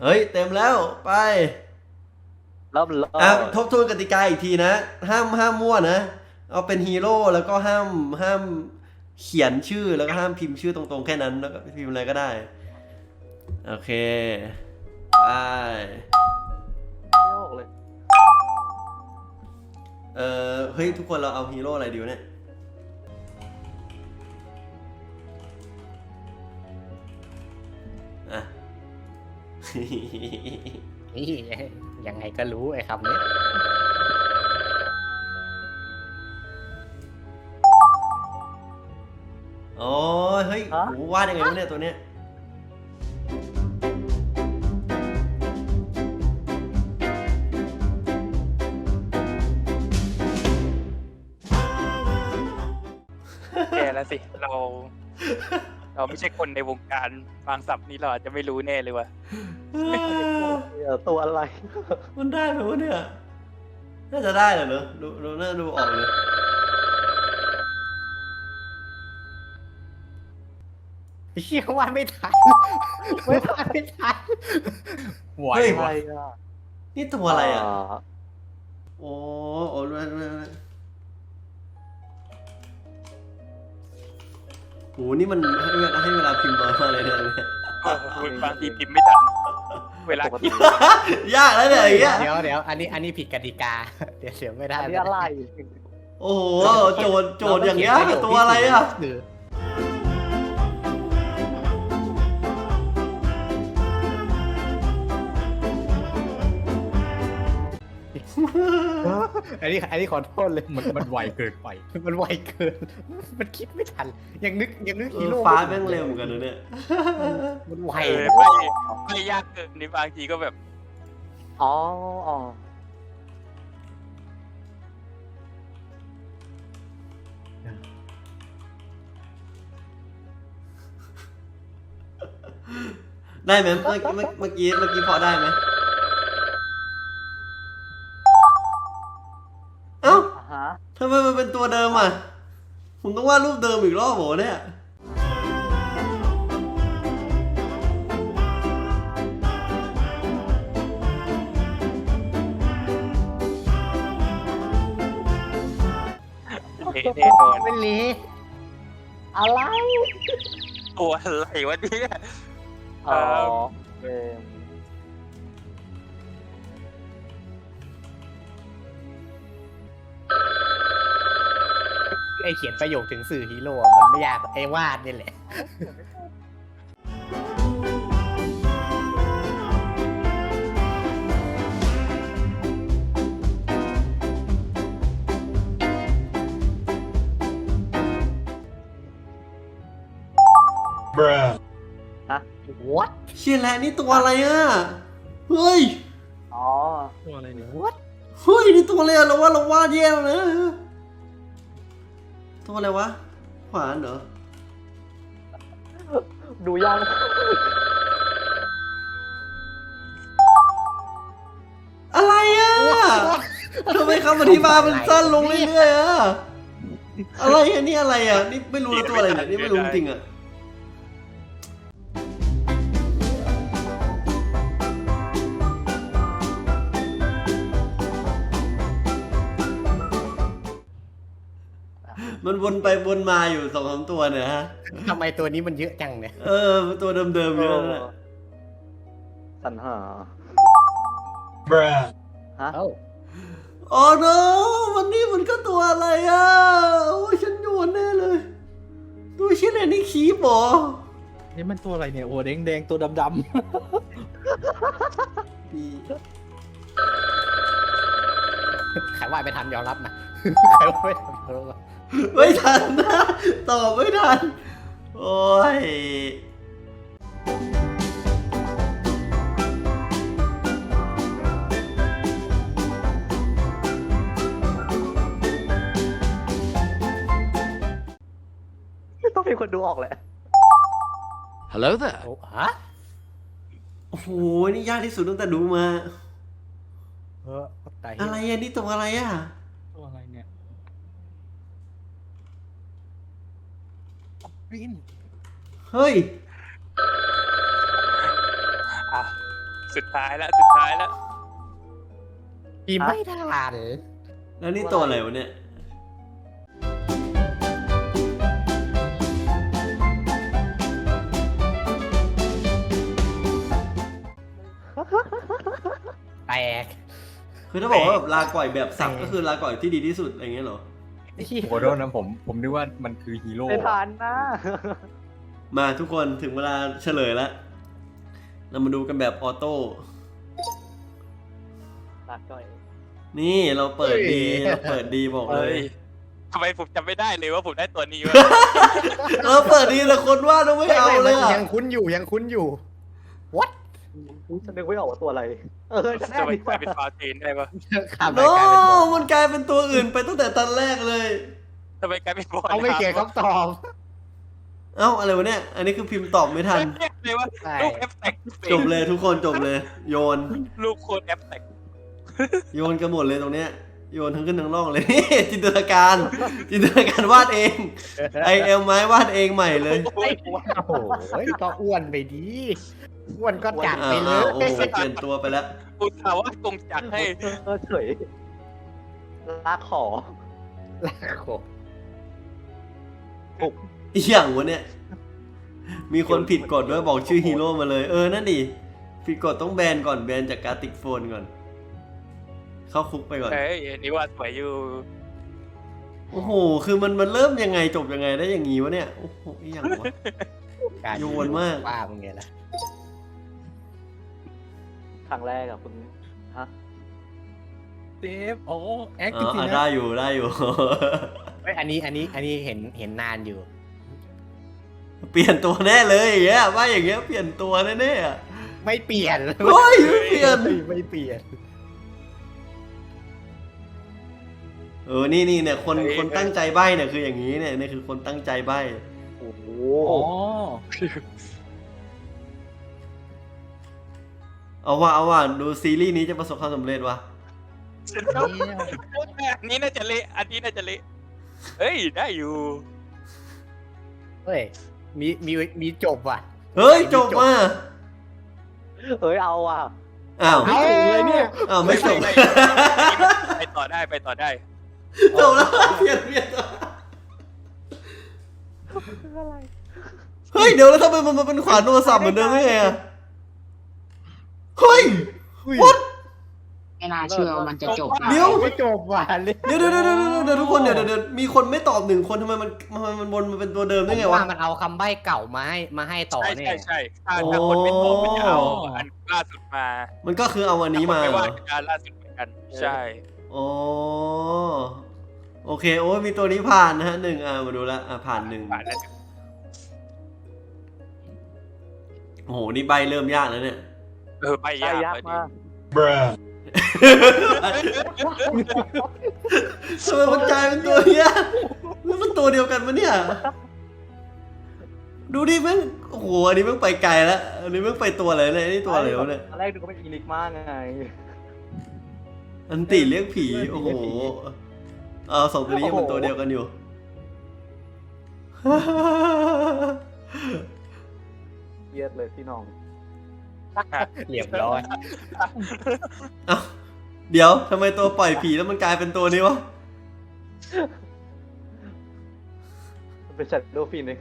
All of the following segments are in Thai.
เฮ้ยเต็มแล้วไปเริ่มเลอ่ะยทบทวนกติกาอีกทีนะห้ามมั่วนะเอาเป็นฮีโร่แล้วก็ห้ามเขียนชื่อแล้วก็ห้ามพิมพ์ชื่อตรงๆแค่นั้นแล้วก็พิมพ์อะไรก็ได้โอเคไปไม่ออกเลยเฮ้ยทุกคนเราเอาฮีโร่อะไรดีวะเนี่ยอ่ะนี่ยังไงก็รู้ไอ้คำนี้โอ้ยเฮ้ยโหวาดยังไงวะเนี่ยตัวเนี้ยแย่แล้วสิเราไม่ใช่คนในวงการบางศัพท์นี้เราอาจจะไม่รู้แน่เลยว่ะตัวอะไรมันได้ไหมวะเนี่ยน่าจะได้แหละเนอะดูน่าดูออกเลยเชี่ยว่าไม่ทันไม่ทันไหวเฮ้ยอะไรวะอ่ะนี่ตัวอะไรอ่ะโอ้โอ้ดูโหนี่มันให้เวลาพิมพ์น้อยมากเลยเนี่ยบางทีพิมพ์ไม่ทันเวลาคิดยากแล้วเนี่ยอย่างเงี้ยเดี๋ยวอันนี้ผิดกติกาเดี๋ยวไม่ได้อันนี้อะไรโอ้โหโจทย์อย่างเงี้ยตัวอะไรอ่ะอันนี้ขอโทษเลยมันไวเกินไปมันไวเกินมันคิดไม่ทันยังนึกฮีโร่ฟ้าแม่งเร็วเหมือนกันนะเนี่ยมันไวไม่ยากเกินในบางทีก็แบบอ๋ออ๋อได้ไหมเมื่อกี้พอได้ไหมเอ้าฮะทำไมมันเป็นตัวเดิมอ่ะผมต้องวาดรูปเดิมอีกรอบโหเนี่ยเละแน่นอนไม่เละอะไรตัวอะไรวะเนี่ยอ๋อเออไอเขียนประโยคถึงสื่อฮีโร่มันไม่ยากไอวาดนี่แหละฮะ what เชี่ยแล้วนี่ตัวอะไรอ่ะเฮ้ยอ๋อตัวอะไรเนี่ย what เฮ้ยนี่ตัวอะไรอะเราวาดแย่แล้วนะตัวอะไรวะขวานเหรอดูยังอะไรอ่ะทำไมคำอธิบายมันสั้นลงเรื่อยๆอ่ะอะไรอ่ะนี่อะไรอ่ะนี่ไม่รู้แล้วตัวอะไรเนี่ยนี่ไม่รู้จริงอ่ะมันวนไปวนมาอยู่2-3ตัวเนี่ยฮะทำไมตัวนี้มันเยอะจังเนี่ยตัวเดิมๆเยอะนะสรรหาฮะเอ้าโอ้ no วันนี้มันก็ตัวอะไรอ่ะโอ้ยฉันโยนแน่เลยตัวชิ้นไหนนี่คีบเหรอนี่มันตัวอะไรเนี่ยโอ้แดงตัวดำนี่ใครวาดไม่ทันยอมรับนะใครวาดไม่ทันยอมรับไม่ทันนะตอบไม่ทันโอ้ยต้องมีคนดูออกแหละ Hello there. โอ้ฮะโอ้โหนี่ยากที่สุดตั้งแต่ดูมาตายอะไรอ่ะนี่ตัวอะไรอ่ะๆตัวอะไรเนี่ยวินเฮ้ยอ่ะสุดท้ายแล้วพิมพ์ไม่ทันแล้วนี่ตัวอะไรวะเนี่ยแตกคือถ้าบอกว่าแบบลาก่อยแบบสับก็คือลาก่อยที่ดีที่สุดอะไรเงี้ยเหรอขอโทษนะผมนึกว่ามันคือฮีโร่ไม่ทันนะมาทุกคนถึงเวลาเฉลยแล้ว เรามาดูกันแบบออโต้ลาก่อยนี่เราเปิดดีเราเปิดดีบอกๆเลเฮ้ยยทำไมผมจำไม่ได้เลยว่าผมได้ตัวนี้วะเราเปิดดีแต่คนว่าต้องไม่เอาเลยอ่ะยังคุ้นอยู่ยังคุ้นอยู่ฉันนึกไม่ออกว่าตัวอะไร จะได้ทำไมดีกลายเป็นฟาเทนได้ปะขับโนรายการเป็นบอลมันกลายเป็นตัวอื่นไปตั้งแต่ตอนแรกเลยทำไมกลายเป็นบอลเอาไม่เขียนคำตอบเอ้าอะไรวะเนี่ย อันนี้คือพิมพ์ตอบไม่ทันเลยว่าใช่ลูกแอปแตกจบเลยทุกคนจบเลย โยนลูกโคนแอปแตกโยนกันหมดเลยตรงเนี้ย โยนทั้งขึ้นทั้งล่องเลย จินตนาการ จินตนาการวาดเอง ไอเอลไม้วาดเองใหม่เลยโอ้โหก็อ้วนไปดีอ้วนก็จัดไปเลโอ้ยโหเปลี่ยนตัวไปแล้วอุตส่าห์ว่ากงจักรให้เฉยลากขอลากโขอีกอย่างวะเนี่ย มีคนผิดกฎด้วยบอกชื่อฮีโร่มาเลย นั่นดิ ผิดกฎต้องแบนก่อนแบนจากการติกโฟนก่อน เข้าคุกไปก่อนเฮ้ยอันนี้ว่าสวยอยู่โอ้โห คือมันเริ่มยังไงจบยังไงได้อย่างงี้วะเนี่ย โอ้โหอีกอย่างวะการโยนมากว่ามึงไงล่ะครั้งแรกอะคุณฮะเซฟโอ้แอคอ๋จอริงๆได้นะอยู่ได้อยู่เฮ้ยอันนี้เห็นนานอยู่เปลี่ยนตัวแน่เลยอย่างเงี้ยว่าอย่างเงี้ยเปลี่ยนตัวแน่ๆอะไม่เปลี่ยนเฮ้ยไม่เปลี่ยนไม่เปลี่ยนนี่เนี่ยคนตั้งใจใบ้เนี่ยคืออย่างนี้เนี่ยนี่คือคนตั้งใจใบ้โอ้โหอ๋อเอาว่าดูซีรีส์นี้จะประสบความสำเร็จวะอันนี้น่าจะเละอันนี้น่าจะเละเฮ้ยได้อยู่เฮ้ยมีจบว่ะเฮ้ยจบมาเอาอ่ะอ้าวเอาเลยเนี่ยอ้าวไม่จบไปต่อได้ไปต่อได้จบแล้วเปลี่ยนเฮ้ยเดี๋ยวแล้วทำไมมันมาเป็นขวานโทรศัพท์เหมือนเดิมได้ไงอะเฮ้ย what ไม่น่าเชื่อว่ามันจะจบเดี๋ยวไม่จบว่ะเลยเดี๋ยวทุกคนเดี๋ยวมีคนไม่ตอบหนึ่งคนทำไมมันวนมาเป็นตัวเดิมได้ไงวะว่ามันเอาคำใบ้เก่ามาให้ต่อใช่เนี่ใช่ยใช่ถ้าคนไม่ตอบมันจะเอาอันล่าสุดมามันก็คือเอาวันนี้มาไม่เหรว่าอการล่าสุดเหมือนกัน ใช่อ๋อโอเคโอ้ยมีตัวนี้ผ่านนะฮะหนึ่งมาดูละผ่านหนึ่งผ่านแล้วโอ้โหนี่ใบเริ่มยากแล้วเนี่ยไปได้ยากยากเลยมากทำไมมันกลายเป็นตัวเนี้ยมันตัวเดียวกันปะเนี่ย ดูดิแม่งโอ้โหอันนี้แม่งไปไกลแล้วอันนี้แม่งไปตัวอะไรเนี่ยนี่ตัวอะไรวะเนี่ยตอนแรกดูก็เป็นอีลิกมากไงอันติเรียกผีโอ้โหสองตัวนี้ยังเป็นตัวเดียวกันอยู่เยียดเลยพี่น้องเรียบร้อยเอ้าเดี๋ยวทำไมตัวปล่อยผีแล้วมันกลายเป็นตัวนี้วะมันเป็นชัดโดฟินเอง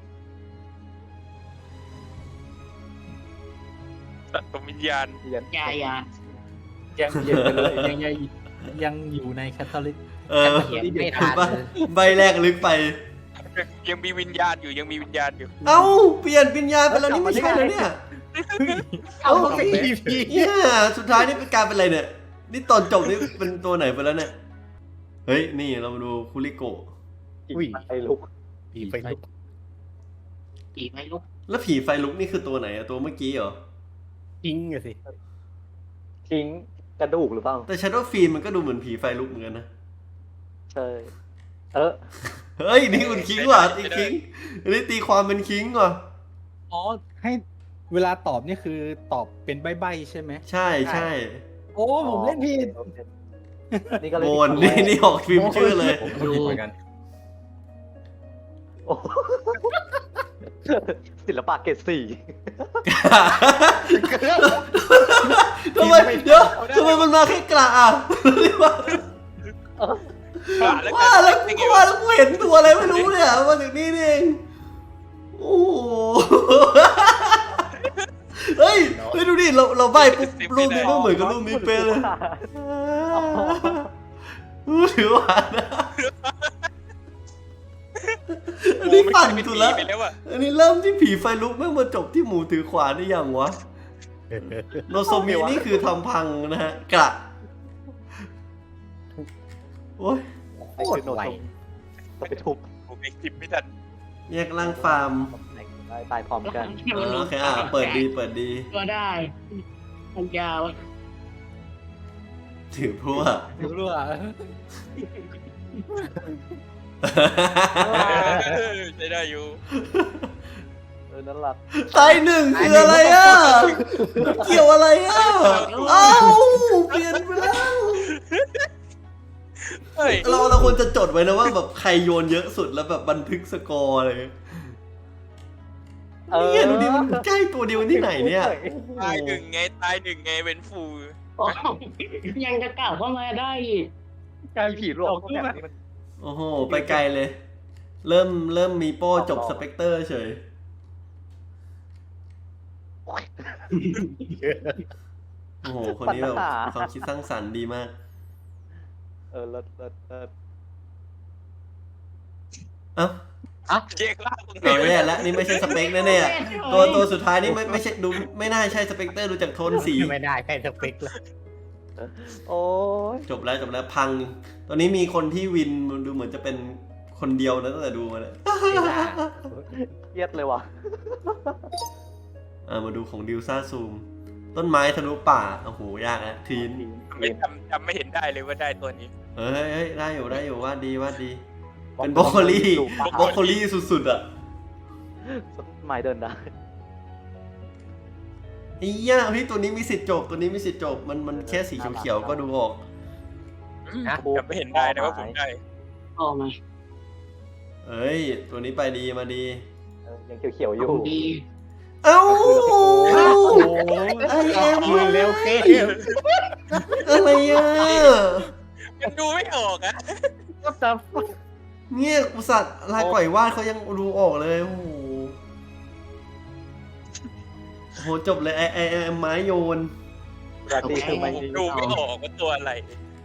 สัตว์วิญญาณเยียนอย่ายังเยียนไปเลยยังอยู่ในแคทอลิกเขียนไม่ทันใบแรกลึกไปยังมีวิญญาณอยู่ยังมีวิญญาณอยู่เอ้าเปลี่ยนวิญญาณไปแล้วนี่ไม่ใช่แล้วเนี่ยเอาไปพีเนี่ยสุดท้ายนี่เป็นการเป็นอะไรเนี่ย นี่ตอนจบนี่เป็นตัวไหนไปแล้วเนี่ย เฮ้ยนี่เรามาดูคุริโกะไอ้ลุกผีไปลุกอีกไม่ลุกแล้วผีไฟลุกนี่คือตัวไหนอะตัวเมื่อกี้เหรอทิ้งอะสิทิ้งกระดูกหรือเปล่าแต่ Shadow Fiend มันก็ดูเหมือนผีไฟลุกเหมือนกันนะใช่เฮ้ยนี่คุณคิงว่ะตีคิงอันนี้ตีความเป็นคิงว่ะอ๋อให้เวลาตอบนี่คือตอบเป็นใบ้ๆใช่ไหมใช่ใช่โอ้ผมเล่นผิดนี่ก็เลยโอนนี่ออกฟิล์มชื่อเลยผมก็ผิดเหมือนกันโอ้ศิลปะเกรดสี่เดี๋ยวทำไมมันมาแค่กระอ่ะเรียกว่าแล้วว่าแล้วกูเห็นตัวอะไรไม่รู้เนี่ยมาถึงนี่นี่เองโอ้โหเฮ้ยดูดิเราใบปุ๊บรูปนี้ก็เหมือนกับรูปนี้เป๊ะเลยถือว่านะอันนี้ปั่นสุดแล้วไปแล้วอะอันนี้เริ่มที่ผีไฟลุกแม่งมาจบที่หมูถือขวานได้ยังวะโนโซมินี่คือทำพังนะฮะกระโอ้ยโคตรไวจะไปทุบผมเองจิบไม่ทันแยกล่างฟาร์มได้ตายพร้อมกันโอเคเปิดดีก็ได้มันยาวถือพวกรู้ว่าใช้ได้อยู่นั่นแหละตายหนึ่งคืออะไรอ่ะเกี่ยวอะไรอ่ะเอ้าเปลี่ยนไปแล้วเฮ้ยเราควรจะจดไว้นะว่าแบบใครโยนเยอะสุดแล้วแบบบันทึกสกอร์อะไรเนี่ยดูดิมันใกล้ตัวเดียวที่ไหนเนี่ยตายหนึ่งไงเป็นฟูยังจะกลับเข้ามาได้อีกการผีหลอกแบบนี้มันโอ้โหไปไกลเลย เริ่มมีโป้จบสเปกเตอร์เฉยโอ้โหคนนี้แบบความคิดสร้างสรรค์ดีมากเลิศเอ้าเจ๊กล่าตรงไหนเอาแน่แล้วนี่ไม่ใช่สเปคแน่ๆตัวสุดท้ายนี่ไม่ใช่ดูไม่น่าใช่สเปกเตอร์ดูจากโทนสีไม่ได้ใช่สเปคเลยโอ้ยจบแล้วพัง ตอนนี้มีคนที่วินดูเหมือนจะเป็นคนเดียวนะตั้งแต่ดูมาเลยเครียดเลยว่ะมาดูของดิวซ่าซูม ต้นไม้ทะลุป่าโอ้โหยากนะทีนไม่จำไม่เห็นได้เลยว่าได้ตัวนี้เฮ้ยได้อยู่วาดดีเป็นบรอกโคลี่สุดๆอ่ะต้นไม้เดินได้ไอ้ย่าพี่ตัวนี้มีสิทธิ์จบมันแค่สีเขียวๆก็ดูออกจำไม่เห็นได้นะว่าผมได้ออกมาเอ้ยตัวนี้ไปดีมาดียังเขียวๆอยู่ดีเอ้าไอเอ็มเร็วเคอะไรอ่ะยังดูไม่ออกอะก็จะเนี่ยอุตส่าห์ลายก่อยวาดเขายังดูออกเลยโอ้โหจบเลยไอไม้โยนราตรีคือไม่ผมดูไม่ออกว่าตัวอะไร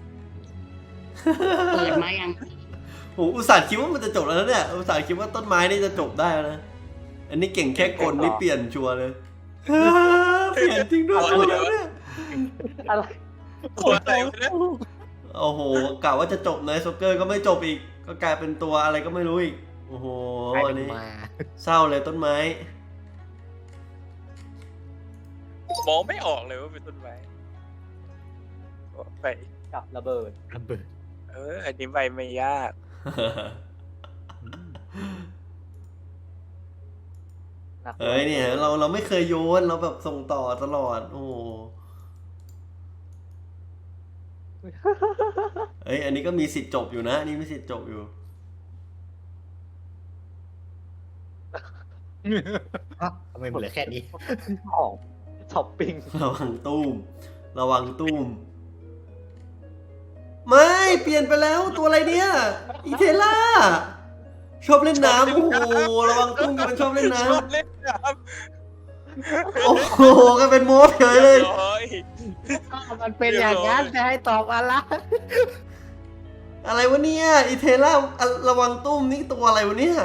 เปิดมายังโหอุตส่าห์คิดว่ามันจะจบแล้วนะเนี่ยอุตส่าห์คิดว่าต้นไม้นี่จะจบได้แล้วนะอันนี้เก่งแค่กลนี่เปลี่ยนชัวร์เลยเปลี่ยนจริงด้วยตัวเดียวเนี่ยอะไรตัวอะไรวะเนี่ยโอ้โหกะว่าจะจบในโซเกอร์ก็ไม่จบอีกก็กลายเป็นตัวอะไรก็ไม่รู้อีกโอ้โหอันนี้มาเศร้าเลยต้นไม้มองไม่ออกเลยว่าเป็นต้นไม้ไปกับระเบิดระเบิดอันนี้ใบไม่ยากเฮ้ยเนี่ยเราไม่เคยโยนเราแบบส่งต่อตลอดโอ้โหเฮ้ยอันนี้ก็มีสิทธิ์จบอยู่นะอันนี้มีสิทธิ์จบอยู่ทำไมเหลือแค่นี้ของช้อปปิ้งระวังตุ้มไม่เปลี่ยนไปแล้วตัวอะไรเนี่ยอีเทล่าชอบเล่นน้ำโอ้โหระวังตุ้มกันชอบเล่นน้ชอบเล่นน้ำโอ้โหก็เป็นโม้เฉยเลยำร้อยมันเป็นอย่างนั้นจะให้ตอบอะไรอะไรวะเนี่ยอีเทล่าระวังตุ้มนี่ตัวอะไรวะเนี่ย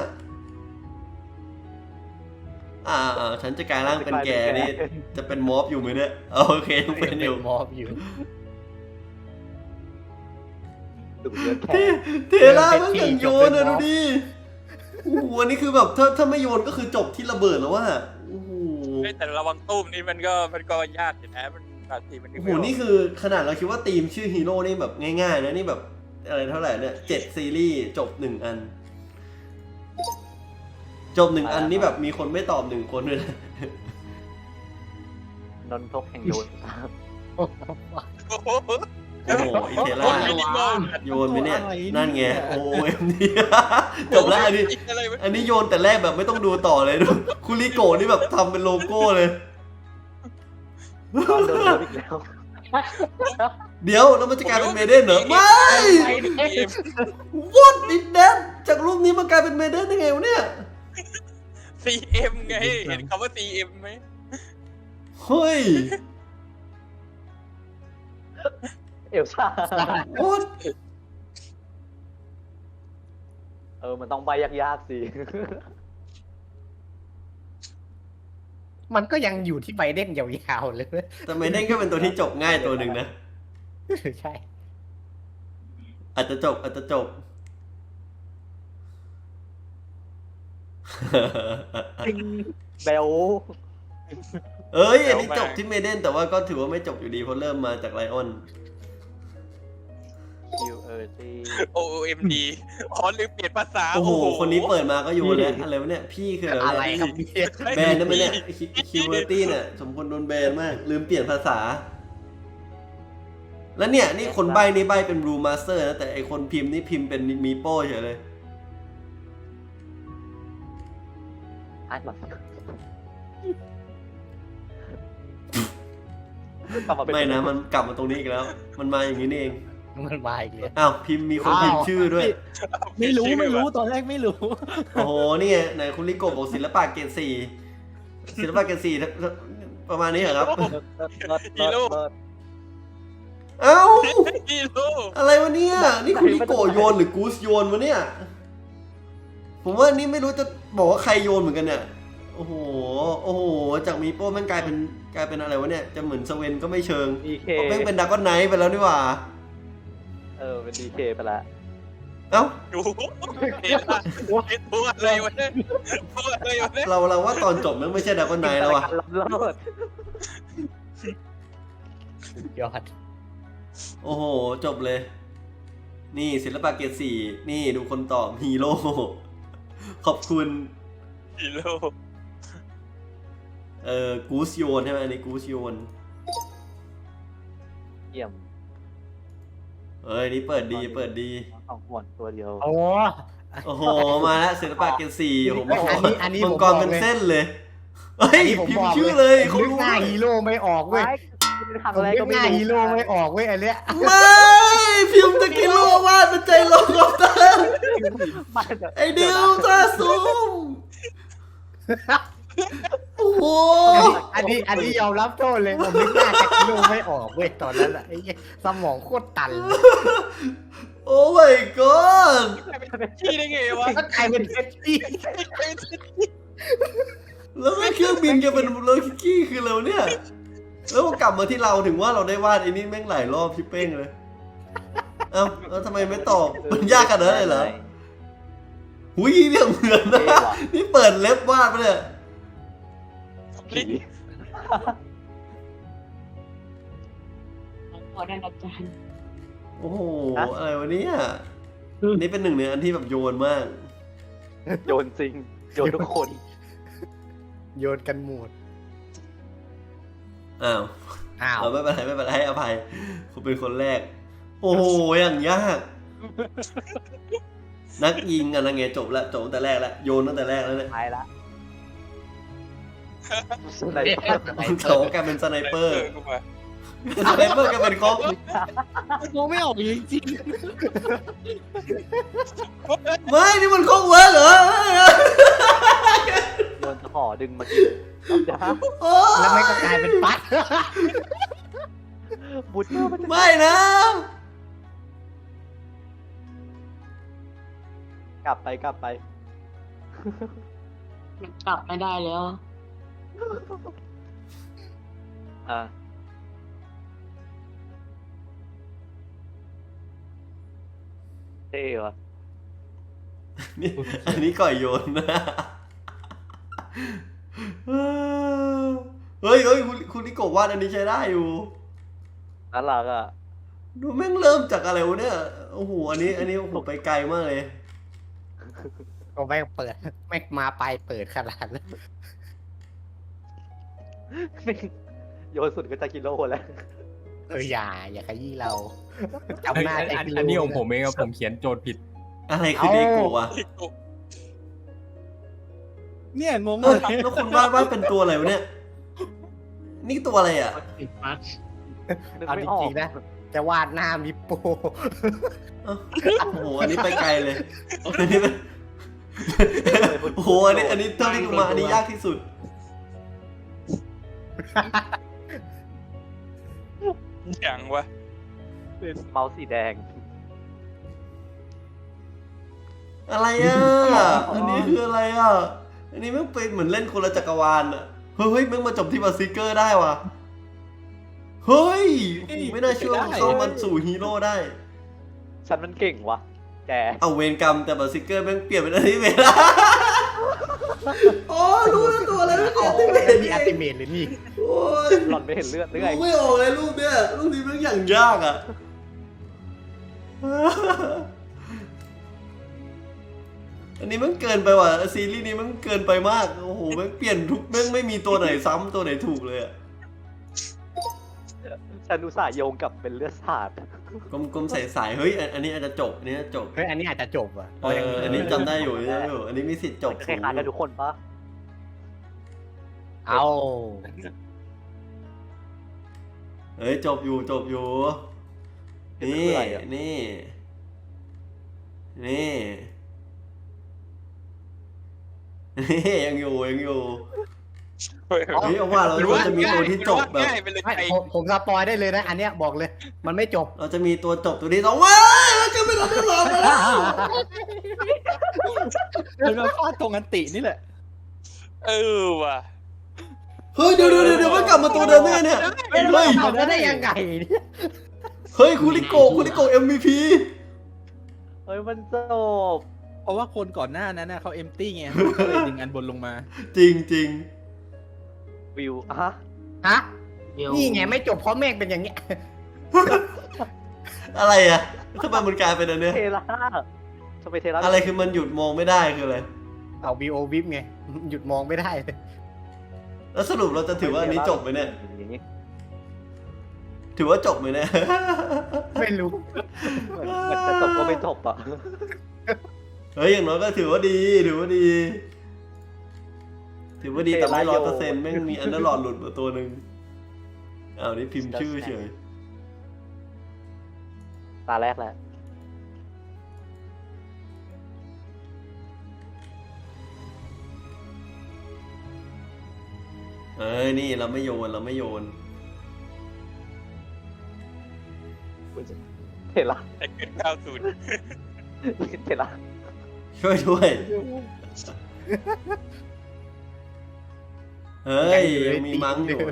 ฉันจะกลายร่างเป็นแกนี่จะเป็นมอฟอยู่ไหมเนี่ยโอเคยังเป็นอยู่มอบอยู่ดูเลือดแข็งเทล่ามันอย่างโยนอะดูดิโอ้โหอันนี้คือแบบถ้าไม่โยนก็คือจบที่ระเบิดแล้วว่าโอ้โหแต่ระวังตุ้มนี่มันก็ยากอยู่นะมันบางทีมันโอ้โหนี่คือขนาดเราคิดว่าทีมชื่อฮีโร่นี่แบบง่ายๆนะนี่แบบอะไรเท่าไหร่เนี่ย7ซีรีส์จบ1อันจบ1อันนี่แบบมีคนไม่ตอบ1คนเลยนะนนทกแห่งโยนโอ้โหโอ้โหอีเทล่ามินิมอลโยนไปเนี่ยนั่นไงโอเอ็มดีจบแล้วอันนี้อะไรวะอันนี้โยนแต่แรกแบบไม่ต้องดูต่อเลยดูคุริโกะนี่แบบทำเป็นโลโก้เลยตอนโดนอีกแล้วเดี๋ยวแล้วมันจะกลายเป็นเมเดนเหรอไม่ CM What is that จากรูปนี้มันกลายเป็นเมเดนได้ไงวะเนี่ย CM ไง เห็นคำว่า CM ไหมเฮ้ยเอลซ่า What มันต้องใบยากๆสิมันก็ยังอยู่ที่ไบเดนยาวๆเลยแต่เมเดนก็เป็นตัวที่จบง่ายตัวหนึ่งนะใช่อาจจะจบเบลเอ้ยอันนี้จบที่เมเดนแต่ว่าก็ถือว่าไม่จบอยู่ดีเพราะเริ่มมาจากไลออน QRT OMD อ๋อลืมเปลี่ยนภาษาโอ้โห คนนี้เปิดมาก็อยู่แล้วอะไรวะเนี่ย พี่คืออะอะไร ไรครับเนี่ยเนี่ยแบนได้ไหมเนี่ยคิวเวอร์ตี้เนี่ยสมควรโดนแบนมาก ลืมเปลี่ยนภาษา แล้วเนี่ย นี่คนใบ้นี่ใบ้เป็นรูมาสเตอร์นะแต่ไอคนพิมพ์นี่พิมพ์เป็นมีโป้เฉยเลยอ่านมากลับมาเป็นไม่นะ มันกลับมาตรงนี้อีกแล้ว มันมาอย่างนี้นี่เองมันมาอีกเลยอ้าวพิมพ์มีคนพิมพ์ชื่อด้วยไม่รู้ตอนแรกไม่รู้โอ้โห นี่ไงไหนคุณลิโกะบอกศิลปะเกรด4ศิลปะเกรด4ประมาณนี้เหรอครับ เอ้าฮีโร่อะไรวะเนี่ย นี่คุณลิโกะโยนหรือกูสโยนวะเนี่ย ผมว่านี่ไม่รู้จะบอกว่าใครโยนเหมือนกันเนี่ย โอ้โห จากมีโป้แม่งกลายเป็นอะไรวะเนี่ย จะเหมือนสเวนก็ไม่เชิง DK เพราะแม่งเป็นดราก้อนไนท์ไปแล้วนี่หว่าเป็น DK ไปละเอ้าดูเห็นละพูดอะไรวะเนี่ยพูดอะไรวะเนี่ยเราว่าตอนจบมันไม่ใช่ดราก้อนไนท์แล้วว่ะการล้ำเลิศยอดโอ้โห จบเลย นี่ศิลปะเกรด4นี่ดูคนตอบฮีโร่ ขอบคุณฮีโร่กูสโยนใช่ไหมอันนี้กูสโยนเยี่ยมนี่เปิดดีของหวนตัวเดียวโอ้โอ้โห มาแล้วศิลปะเกรด4ผมอันนี้มัผงมกรบอกเป็นเลยเส้นเลย เฮ้ยผมพิมบอพ์กชื่อเลยผมเขานึกรู้หน้าฮีโร่ไม่ออกเว้ยทำผมอะไรนึก็กหไม่น้ารู้ฮีโร่ไม่ออกเว้ยอันเนี้ยไม่พิมพ์ตะกิโลวาดเป็นใจลงกับตาไอ้ดิวตาซูมโอ้โหอันนี้ยอมรับโทษเลยผมนึกหน้าจากฮีโร่ไม่ออกเว้ยตอนนั้นอะไอ้เหี้ยสมองโคตรตันเลยโอ้ my god ขี้ได้ไงวะก็กลายเป็นเท็ดดี้แล้วไม่เครื่องบินแกเป็นรถกี้คือเราเนี่ย แล้วกลับมาที่เราถึงว่าเราได้วาดไอ้นี่แม่งหลายรอบพี่เป้งเลย เอ้าแล้วทำไมไม่ตอบมันยากขนาดนั้นเลยเหรอหุยเนี่ยเหมือนนะ นี่เปิดเล็บวาดไปเลยขอได้อาจารย์โอ้โห อะไรวะเนี่ยอันนี้เป็นหนึ่งในอันที่แบบโยนมากโยนจริง โยนทุกคนโยนกันหมดอ้าวอ้าวไม่เป็นไรให้อภัยคุณเป็นคนแรก โอ้โห อย่างยาก นักยิงอะนะไงจบตั้งแต่แรกแล้วโยนตั้งแต่แรกแล้วเนี่ยตายละเขาแกเป็นสไนเปอร์กูมาสไนเปอร์แกเป็นคอปมองไม่ออกจริงไม่นี่มันคอกเวิร์กเหรอโยนห่อดึงมากินจ้าโอ้แล้วไม่ก็กลายเป็นปั๊ดบุตรไม่นะกลับไปมันกลับไม่ได้แล้วอ่ะเท่ว่ะนี่อันนี้ก่อยโยนนะเฮ้ยคุณนิโกะวาดอันนี้ใช้ได้อยู่น่ารักอ่ะดูแม่งเริ่มจากอะไรวะเนี่ยโอ้โหอันนี้โอ้โหไปไกลมากเลยก็แม่งเปิดแม่งมาไปเปิดขนาดนั้นโยนสุดก็จะกิโลแล้วอย่าขยี้เราจำหน้าอันนี้ของผมเองครับผมเขียนโจทย์ผิดอะไรคือเดโกะวะๆเนี่ยงงเอเลอย แล้วคุณวาดเป็นตัวอะไรวะเนี่ย นี่ตัวอะไรอ่ะติดมัดนึกเอาไม่จออกริงๆนะจะวาดหน้ามิโปเอ้าโอ้โหอันนี้ไปไกลเลยอันนี้เป็นโอ้โหอันนี้เท่าที่ดูมาอันนี้ยากที่สุดอย่างวะเป็นเมาส์สีแดงอะไรอ่ะ อันนี้คืออะไรอ่ะ อันนี้มันเป็นเหมือนเล่นคนละจักรวาลอ่ะ เฮ้ยมันมาจบที่บาซิเกอร์ได้ว่ะ เฮ้ย ไม่น่าเชื่อว่าเข้ามาสู่ฮีโร่ได้ฉันมันเก่งวะแกเอาเวรกรรมแต่บาซิเกอร์แม่งเปลี่ยนเป็นอนิเมะละอ๋อรู้แล้วตัวอะไรไม่เปลี่ยนที่เมะนี่อัลติเมทหรือนี่โอ้ยหล่อนไม่เห็นเลือดหรือไงไม่ออกเลยรูปเนี้ยรูปนี้แม่งอย่างยากอ่ะ อันนี้มันเกินไปว่ะซีรีส์นี้มันเกินไปมาก โอ้โหมันเปลี่ยนทุกแม่งไม่มีตัวไหนซ้ำตัวไหนถูกเลยอ่ะฉันอุตส่าห์โยงกับเป็นเลือดสาดกลมๆใสๆเฮ้ยอันนี้อาจจะจบอันนี้อาจจะจบเฮ้ยอันนี้อาจจะจบอ่ะอันนี้จำได้อยู่อันนี้มีสิทธิ์จบคล้ายๆกันทุกคนปะเอาเฮ้ยจบอยู่นี่นี่ยังอยู่เฮ้ยเฮ้ยเอาว่าเราจะมีตัวที่จบแบบง่ายไปเลยไม่ไอ้ผมสปอยได้เลยนะ อันเนี้ยบอกเลย มันไม่จบเราจะมีตัวจบตัวที่สองว้าเราจะไม่ต้องหลอกแล้วเป็นมาฟาดตรงอันตินี่แหละเออว่ะเฮ้ยเดี๋ยวมันกลับมาตัวเดิมได้ไงเนี่ยเฮ้ยทำได้ยังไงเนี่ยเฮ้ยคุริโกะ MVP เฮ้ยมันจบเพราะว่าคนก่อนหน้านั้นน่ะเขาเอมตี้ไงก็เลยดึงอันบนลงมาจริงวิวอะฮะ นี่ไงไม่จบเพราะเมฆเป็นอย่างเงี้ยอะไรอ่ะทำไมมันกลายเป็นอันเนี้ยเทล่าทำไมเทล่าอะไรคือมันหยุดมองไม่ได้คืออะไรเอาวีโอวิปไง หยุดมองไม่ได้แล้วสรุปเราจะถือว่าอันนี้จบไหมเนี่ยอย่างงี้ถือว่าจบไหมเนี่ยไม่รู้เหมือนจะจบก็ไม่จบอ่ะเฮ้ยอย่างน้อยก็ถือว่าดีแต่ไม่100%แม่งมีอันเดอร์ลอดหลุดมาตัวหนึ่งอ้าวนี่พิมพ์ชื่อเฉยตาแรกแล้วเอ้ยนี่เราไม่โยนเทล่าแต่เกิด90 เทล่าช่วยด้วย เฮ้ยยังมีมั้งอยู่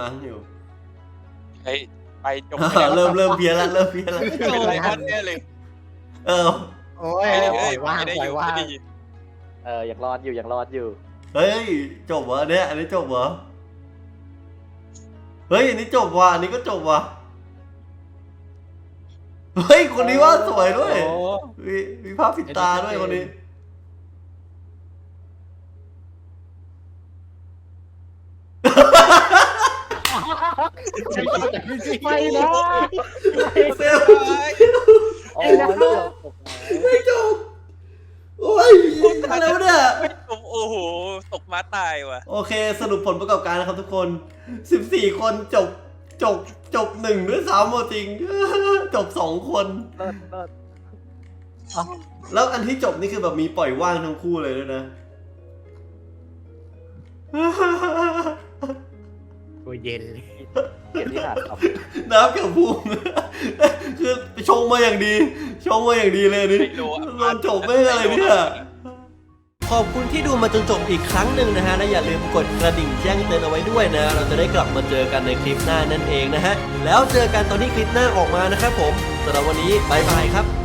เฮ้ยไปจบเริ่มเพี้ยนละเป็นไรออนแน่เลยเออโอ้ยปล่อยว่างไม่ได้ปล่อยอยู่ว่างไม่ได้ยังรอดอยู่เฮ้ยจบวะเนี่ยอันนี้จบวะเฮ้ยอันนี้จบวะอันนี้ก็จบวะเฮ้ยคนนี้ว่าสวยด้วยโอ้มีภาพปิดตาด้วยคนนี้ไม่นะเซลโอ้ยเกือบจบไม่จบโอ้ยอะไรวะเนี่ยโอ้โหตกม้าตายว่ะโอเคสรุปผลประกอบการนะครับทุกคน 14 คนจบ1ด้วยซ้ำเอาจริง จบ 2 คนเลิศแล้วอันที่จบนี่คือแบบมีปล่อยว่างทั้งคู่เลยด้วยนะตัวเย็นเลยเกียรติหาครับน้ำกับพุ่ง คือชงมาอย่างดีเลยอันนี่ไม่รู้อะตอนจบไม่อะไรเนี่ย ขอบคุณที่ดูมาจนจบอีกครั้งหนึ่งนะฮะ และอย่าลืมกดกระดิ่งแจ้งเตือนเอาไว้ด้วยนะ เราจะได้กลับมาเจอกันในคลิปหน้านั่นเองนะฮะ แล้วเจอกันตอนที่คลิปหน้าออกมานะครับผมสำหรับวันนี้บายบายครับ